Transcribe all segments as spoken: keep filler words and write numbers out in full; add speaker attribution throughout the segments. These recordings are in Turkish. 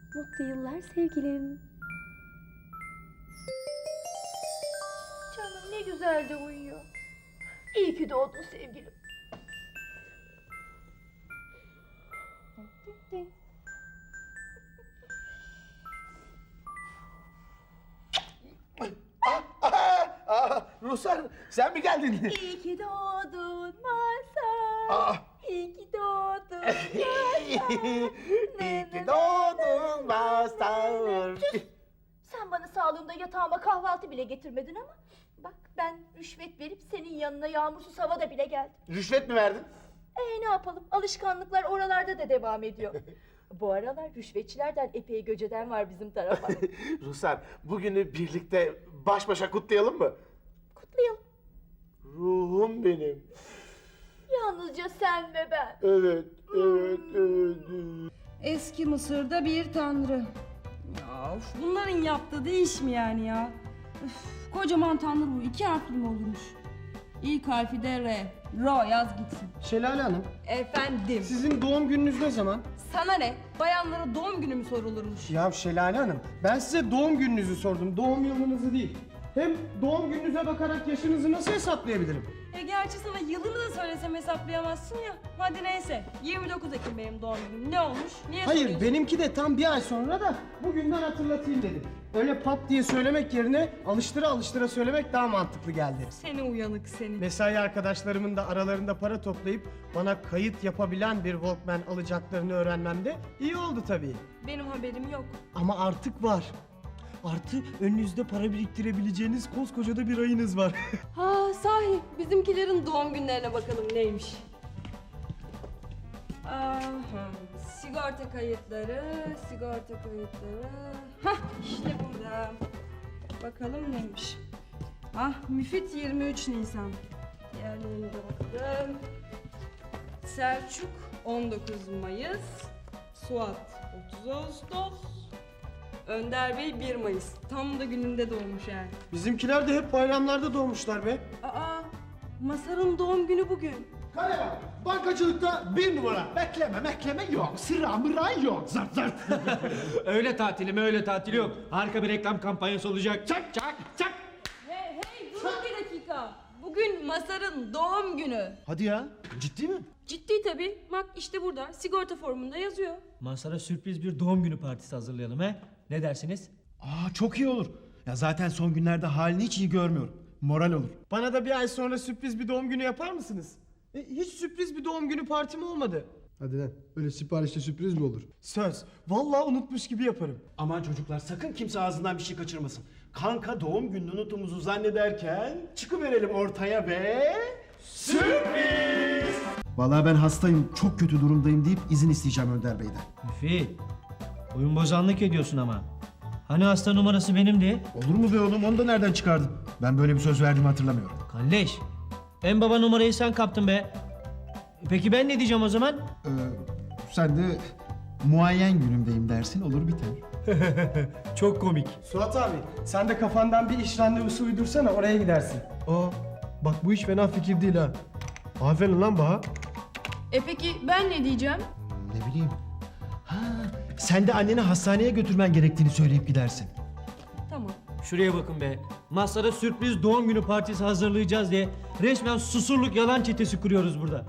Speaker 1: Mutlu yıllar sevgilim.
Speaker 2: Canım ne güzel de uyuyor. İyi ki doğdun sevgilim.
Speaker 3: Aa, Ruhsar sen mi geldin?
Speaker 2: İyi ki doğdun Mazhar.
Speaker 3: Aa.
Speaker 2: İyi ki doğdun Mazhar.
Speaker 3: İyi ki doğdun Mazhar.
Speaker 2: Sen bana sağlığımda yatağıma kahvaltı bile getirmedin ama bak ben rüşvet verip senin yanına yağmursuz havada bile geldim.
Speaker 3: Rüşvet mi verdin?
Speaker 2: Ee ne yapalım, alışkanlıklar oralarda da devam ediyor. Bu aralar rüşvetçilerden epey göceden var bizim tarafa.
Speaker 3: Ruhsar bugünü birlikte baş başa kutlayalım mı?
Speaker 2: Kutlayalım.
Speaker 3: Ruhum benim.
Speaker 2: Yalnızca sen ve ben.
Speaker 3: Evet, evet, evet. evet.
Speaker 4: Eski Mısır'da bir tanrı. Ya of, bunların yaptığı değiş mi yani ya? Üf, kocaman tanrı bu iki harfli mi olurmuş? İlk harfi de R. Ro yaz gitsin.
Speaker 5: Şelale Hanım,
Speaker 4: Efendim.
Speaker 5: sizin doğum gününüz ne zaman?
Speaker 4: Sana ne? Bayanlara doğum günü mü sorulurmuş?
Speaker 5: Ya Şelale Hanım, ben size doğum gününüzü sordum, doğum yılınızı değil. Hem doğum gününüze bakarak yaşınızı nasıl hesaplayabilirim?
Speaker 4: E gerçi sana yılını da söylesem hesaplayamazsın ya. Hadi neyse. yirmi dokuz Ekim benim doğum günüm. Ne olmuş? Niye
Speaker 5: Hayır,
Speaker 4: soruyorsun?
Speaker 5: benimki de tam bir ay sonra da bugünden hatırlatayım dedim. Öyle pat diye söylemek yerine alıştıra alıştıra söylemek daha mantıklı geldi.
Speaker 4: Seni uyanık seni.
Speaker 5: Mesai arkadaşlarımın da aralarında para toplayıp bana kayıt yapabilen bir Walkman alacaklarını öğrenmemde iyi oldu tabii.
Speaker 4: Benim haberim yok.
Speaker 5: Ama artık var. Artı önünüzde para biriktirebileceğiniz koskoca da bir ayınız var.
Speaker 4: Ha sahi bizimkilerin doğum günlerine bakalım neymiş. Aha, sigorta kayıtları, sigorta kayıtları. Hah işte burada. Bakalım neymiş. Ah Müfit yirmi üç Nisan. Diğerlerine de bakalım. Selçuk on dokuz Mayıs. Suat otuz Ağustos. Önder Bey bir Mayıs. Tam da gününde doğmuş yani.
Speaker 5: Bizimkiler de hep bayramlarda doğmuşlar be.
Speaker 4: Aa, Masar'ın doğum günü bugün.
Speaker 6: Kale var. Bankacılıkta bir numara. Bekleme mekleme yok. Sıra mıra yok. Zart zart.
Speaker 7: Öyle tatilim öyle tatil yok. Harika bir reklam kampanyası olacak. Çak çak çak.
Speaker 4: Hey hey durun bir dakika. Bugün Masar'ın doğum günü.
Speaker 6: Hadi ya. Ciddi mi?
Speaker 4: Ciddi tabii. Bak işte burada sigorta formunda yazıyor.
Speaker 7: Masara sürpriz bir doğum günü partisi hazırlayalım he. Ne dersiniz?
Speaker 6: Aa çok iyi olur. Ya zaten son günlerde halini hiç iyi görmüyorum. Moral olur.
Speaker 5: Bana da bir ay sonra sürpriz bir doğum günü yapar mısınız? E, hiç sürpriz bir doğum günü partim olmadı.
Speaker 6: Hadi lan. Öyle siparişte sürpriz mi olur?
Speaker 5: Söz. Vallahi unutmuş gibi yaparım.
Speaker 8: Aman çocuklar sakın kimse ağzından bir şey kaçırmasın. Kanka doğum gününü unuttuğumuzu zannederken çıkıverelim ortaya ve... Sürpriz!
Speaker 6: Vallahi ben hastayım, çok kötü durumdayım deyip izin isteyeceğim Önder Bey'den.
Speaker 7: Müfit. Oyun bozanlık ediyorsun ama. Hani hasta numarası benimdi?
Speaker 6: Olur mu be oğlum? Onu da nereden çıkardın? Ben böyle bir söz verdiğimi hatırlamıyorum.
Speaker 7: Kalleş. En baba numarayı sen kaptın be. Peki ben ne diyeceğim o zaman?
Speaker 6: Ee, sen de muayyen günümdeyim dersin, olur biter.
Speaker 7: Çok komik.
Speaker 5: Suat abi sen de kafandan bir iş randevusu uydursana oraya gidersin.
Speaker 6: Aa, bak bu hiç fena fikir değil ha. Aferin lan Baha.
Speaker 4: E peki ben ne diyeceğim?
Speaker 6: Ne bileyim. Ha, sen de anneni hastaneye götürmen gerektiğini söyleyip gidersin.
Speaker 4: Tamam.
Speaker 7: Şuraya bakın be. Masara sürpriz doğum günü partisi hazırlayacağız diye resmen susurluk yalan çetesi kuruyoruz burada.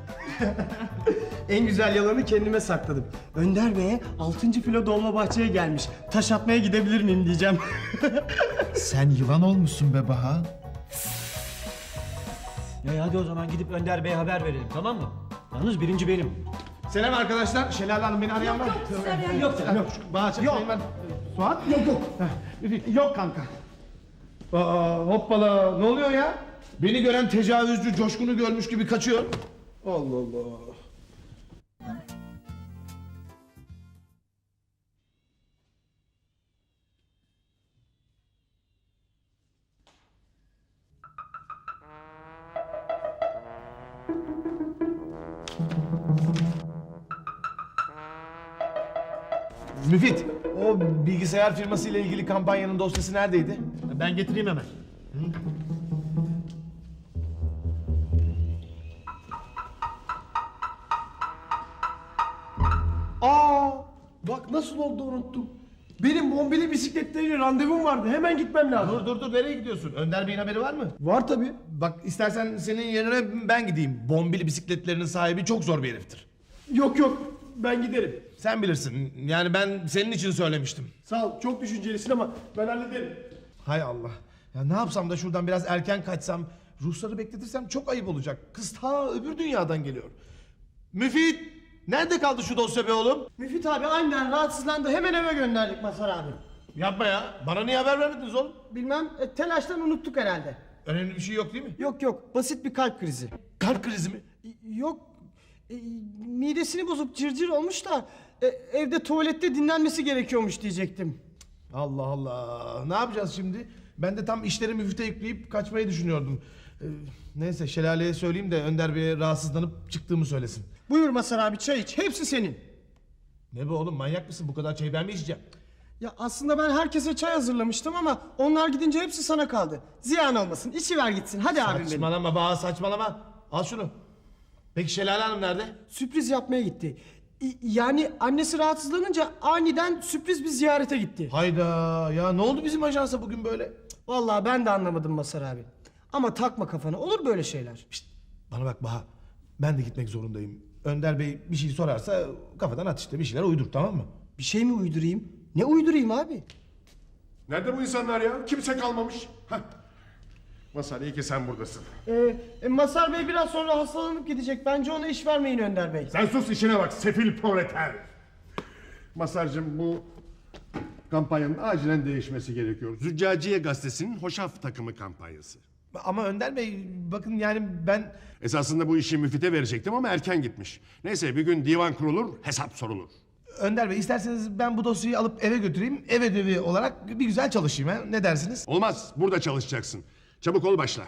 Speaker 5: En güzel yalanı kendime sakladım. Önder Bey'e altıncı filo Dolmabahçe'ye gelmiş. Taş atmaya gidebilir miyim diyeceğim.
Speaker 6: Sen yılan olmuşsun be Baha.
Speaker 7: Ya hadi o zaman gidip Önder Bey'e haber verelim tamam mı? Yalnız birinci benim.
Speaker 6: Selam arkadaşlar. Şelale Hanım beni arayan var mı?
Speaker 5: yok yok.
Speaker 6: Yok. Baha çekmeyin ben. Suat? Yok yok. Yok kanka. Aa, hoppala. Ne oluyor ya? Beni gören tecavüzcü Coşkun'u görmüş gibi kaçıyor. Allah Allah.
Speaker 3: Müfit, o bilgisayar firması ile ilgili kampanyanın dosyası neredeydi?
Speaker 7: Ben getireyim hemen.
Speaker 6: Aa, bak nasıl oldu unuttum.
Speaker 5: Benim bombili bisikletleriyle randevum vardı. Hemen gitmem lazım.
Speaker 3: Dur dur dur, nereye gidiyorsun? Önder Bey'in haberi var mı?
Speaker 5: Var tabii.
Speaker 3: Bak istersen senin yerine ben gideyim. Bombili bisikletlerinin sahibi çok zor bir heriftir.
Speaker 5: Yok yok, ben giderim.
Speaker 3: Sen bilirsin. Yani ben senin için söylemiştim.
Speaker 5: Sağ ol, çok düşüncelisin ama ben hallederim.
Speaker 3: Hay Allah. Ya ne yapsam da şuradan biraz erken kaçsam, Rusları bekletirsem çok ayıp olacak. Kız ta öbür dünyadan geliyor. Müfit! Nerede kaldı şu dosya be oğlum?
Speaker 5: Müfit abi aynen rahatsızlandı. Hemen eve gönderdik Mazhar abi.
Speaker 3: Yapma ya. Bana niye haber vermediniz oğlum?
Speaker 5: Bilmem, e, telaştan unuttuk herhalde.
Speaker 3: Önemli bir şey yok değil mi?
Speaker 5: Yok yok, basit bir kalp krizi.
Speaker 3: Kalp krizi mi?
Speaker 5: Yok, e, midesini bozup cırcır olmuş da e, evde tuvalette dinlenmesi gerekiyormuş diyecektim.
Speaker 3: Allah Allah. Ne yapacağız şimdi? Ben de tam işleri müfite yükleyip kaçmayı düşünüyordum. Ee, neyse Şelale'ye söyleyeyim de Önder Bey'e rahatsızlanıp çıktığımı söylesin.
Speaker 5: Buyur Mazhar abi, çay iç, hepsi senin.
Speaker 3: Ne be oğlum, manyak mısın? Bu kadar çayı ben mi içeceğim?
Speaker 5: Ya aslında ben herkese çay hazırlamıştım ama onlar gidince hepsi sana kaldı. Ziyan olmasın, içiver gitsin. Hadi abim benim.
Speaker 3: Saçmalama bana, saçmalama. Al şunu. Peki Şelale Hanım nerede?
Speaker 5: Sürpriz yapmaya gitti. İ- Yani annesi rahatsızlanınca aniden sürpriz bir ziyarete gitti.
Speaker 3: Hayda ya, ne oldu bizim ajansa bugün böyle?
Speaker 5: Vallahi ben de anlamadım Mazhar abi. Ama takma kafana, olur böyle şeyler.
Speaker 3: Şişt, bana bak Baha. Ben de gitmek zorundayım. Önder Bey bir şey sorarsa kafadan at işte, bir şeyler uydur, tamam mı?
Speaker 5: Bir şey mi uydurayım? Ne uydurayım abi?
Speaker 9: Nerede bu insanlar ya? Kimse kalmamış. Heh. Mazhar, iyi ki sen buradasın.
Speaker 5: Ee, e, Mazhar Bey biraz sonra hastalanıp gidecek. Bence ona iş vermeyin Önder Bey.
Speaker 9: Sen sus, işine bak sefil proleter. Mazhar'cığım, bu kampanyanın acilen değişmesi gerekiyor. Züccaciye Gazetesi'nin hoşaf takımı kampanyası.
Speaker 3: Ama Önder Bey bakın yani ben...
Speaker 9: Esasında bu işi müfite verecektim ama erken gitmiş. Neyse, bir gün divan kurulur, hesap sorulur.
Speaker 3: Önder Bey isterseniz ben bu dosyayı alıp eve götüreyim. Ev ödevi olarak bir güzel çalışayım ha. Ne dersiniz?
Speaker 9: Olmaz, burada çalışacaksın. Çabuk ol, başla.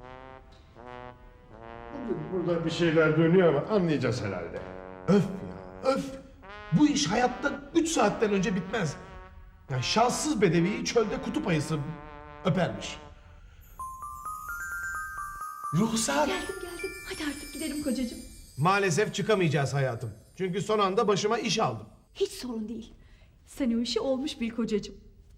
Speaker 9: Burada bir şeyler dönüyor ama anlayacağız herhalde.
Speaker 3: Öf ya öf. Bu iş hayatta üç saatten önce bitmez. Yani şanssız bedeviyi çölde kutup ayısı öpermiş. Ruhsar.
Speaker 2: Geldim geldim. Hadi artık gidelim kocacığım.
Speaker 3: Maalesef çıkamayacağız hayatım. Çünkü son anda başıma iş aldım.
Speaker 2: Hiç sorun değil. Sen o işi olmuş bil kocacığım.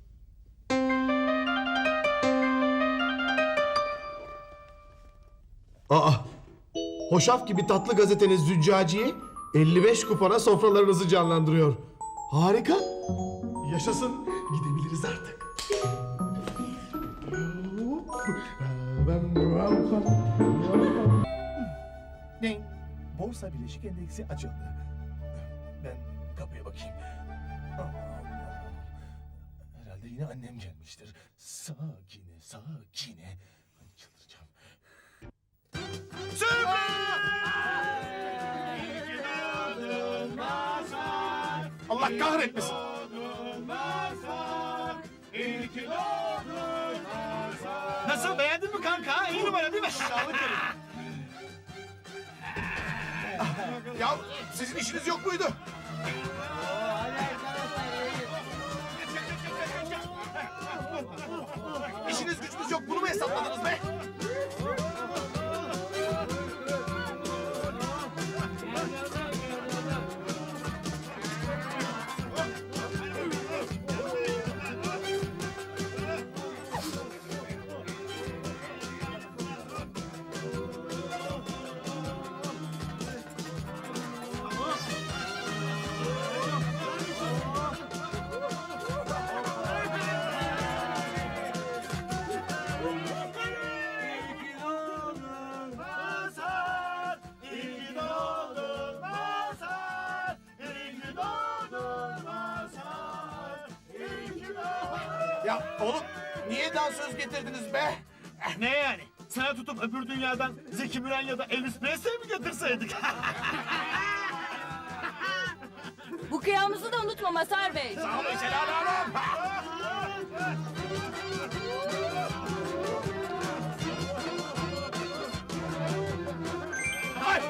Speaker 3: Aa, hoşaf gibi tatlı gazeteniz Züccaciye elli beş kupona sofralarınızı canlandırıyor. Harika. Yaşasın. Gidebiliriz artık. Ne? Borsa Bileşik Endeksi açıldı. Ben kapıya bakayım. Herhalde yine annem gelmiştir. Sakine, sakine. Ay, çıldıracağım. Allah kahretmesin.
Speaker 8: Nasıl, beğendin mi kanka? İyi numara değil mi?
Speaker 3: Ya sizin işiniz yok muydu? İşiniz gücünüz yok, bunu mu hesapladınız be? Ya oğlum niye dansöz getirdiniz be?
Speaker 8: Ne yani? Sana tutup öbür dünyadan Zeki Müren ya da Elvis Presley mi getirseydik?
Speaker 4: Bu kıyamımızı da unutma Mazhar Bey.
Speaker 3: Sağ olun Şelale Hanım. Ay!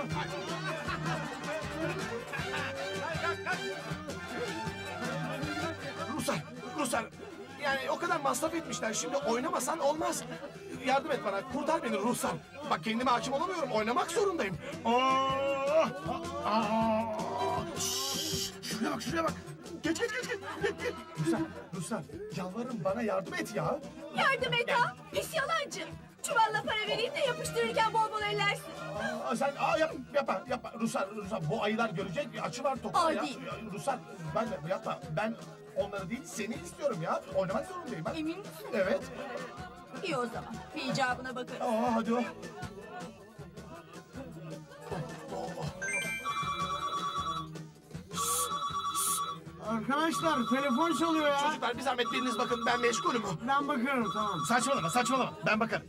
Speaker 3: Ruslar, Ruslar. Yani o kadar masraf etmişler. Şimdi oynamasan olmaz. Yardım et bana. Kurtar beni Ruslar. Bak kendime hakim olamıyorum. Oynamak zorundayım. Oh! Aa! Şşş! Şuraya bak, şuraya bak. Geç, geç, geç, geç. Ruslar, Ruslar yalvarırım bana yardım et ya.
Speaker 2: Yardım et ha. Pis yalancı. Çuvalla para vereyim de yapıştırırken bol bol ellersin.
Speaker 3: Aa, sen aa, yap, yapma yapma Ruslar, Ruslar bu ayılar görecek açı var topla
Speaker 2: Aa,
Speaker 3: ya.
Speaker 2: değil.
Speaker 3: Ya, Ruslar ben de yapma ben onları değil seni istiyorum ya. Oynamak zorundayım ben.
Speaker 2: Emin misin?
Speaker 3: Evet.
Speaker 2: İyi o zaman. Bir icabına bakarız.
Speaker 3: Aa, hadi o.
Speaker 5: Arkadaşlar telefon çalıyor ya.
Speaker 3: Çocuklar bir zahmet biriniz bakın ben meşgulüm.
Speaker 5: Ben bakarım tamam.
Speaker 3: Saçmalama saçmalama ben bakarım.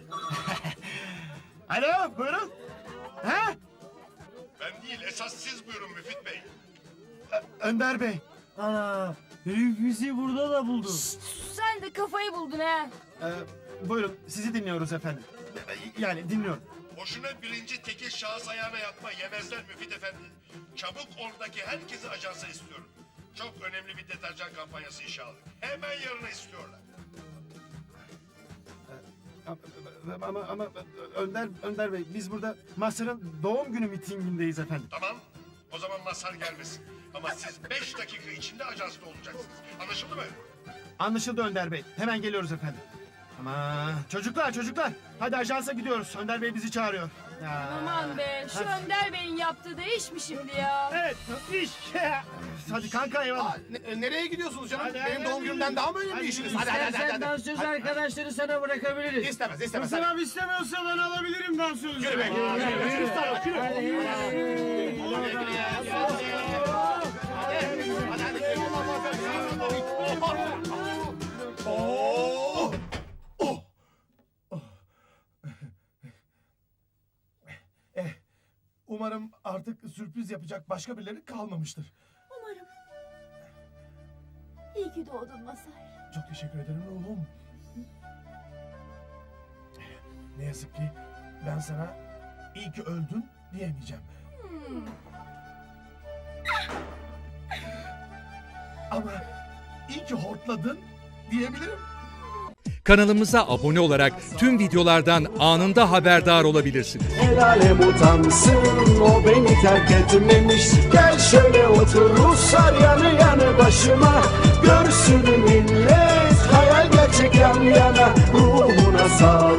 Speaker 8: Alo buyurun. Ha?
Speaker 9: Ben değil esas siz buyurun Müfit Bey.
Speaker 8: Önder Bey.
Speaker 5: Ana herif bizi burada da buldu.
Speaker 4: Sen de kafayı buldun ha.
Speaker 8: Ee, buyurun sizi dinliyoruz efendim. Yani dinliyorum.
Speaker 9: Boşuna birinci tekil şahıs ayağına yatma yemezler Müfit Efendi. Çabuk oradaki herkesi ajansa istiyorum. Çok önemli bir deterjan kampanyası işe aldık. Hemen yarına istiyorlar.
Speaker 8: Ama, ama, ama Önder, Önder Bey biz burada Mazhar'ın doğum günü mitingindeyiz efendim.
Speaker 9: Tamam. O zaman Mazhar gelmesin. Ama siz beş dakika içinde ajansta olacaksınız. Anlaşıldı mı?
Speaker 8: Anlaşıldı Önder Bey. Hemen geliyoruz efendim. Ama çocuklar çocuklar hadi ajansa gidiyoruz. Önder Bey bizi çağırıyor. Ya.
Speaker 4: Aman be şu Önder Bey'in yaptığı da iş mi şimdi ya?
Speaker 8: Evet iş. Hadi kanka eyvallah.
Speaker 3: Aa, ne- nereye gidiyorsunuz canım?
Speaker 8: Hadi,
Speaker 3: Benim
Speaker 8: hadi,
Speaker 3: doğum
Speaker 8: hadi.
Speaker 3: günümden daha mı önemli
Speaker 8: Hadi,
Speaker 3: işiniz? Hadi hadi hadi. hadi, hadi.
Speaker 5: dansöz arkadaşları sana bırakabiliriz.
Speaker 3: İstemez istemez.
Speaker 5: Hasan abi istemiyorsa ben alabilirim dansözü.
Speaker 3: Yürü be, yürü, yürü, yürü, yürü.
Speaker 5: Hadi,
Speaker 3: Oh! Oh! Oh! Eh, umarım artık sürpriz yapacak başka birileri kalmamıştır.
Speaker 2: Umarım. İyi ki doğdun Mazhar.
Speaker 3: Çok teşekkür ederim ruhum. Ne yazık ki ben sana iyi ki öldün diyemeyeceğim. Ama iyi ki hortladın diyebilirim.
Speaker 10: Kanalımıza abone olarak tüm videolardan anında haberdar olabilirsiniz.
Speaker 11: El alem utansın o beni terk etmemiş. Gel şöyle otur Ruslar yanı yanı başıma. Görsün millet hayal gerçek yan yana. Ruhuna sağlık.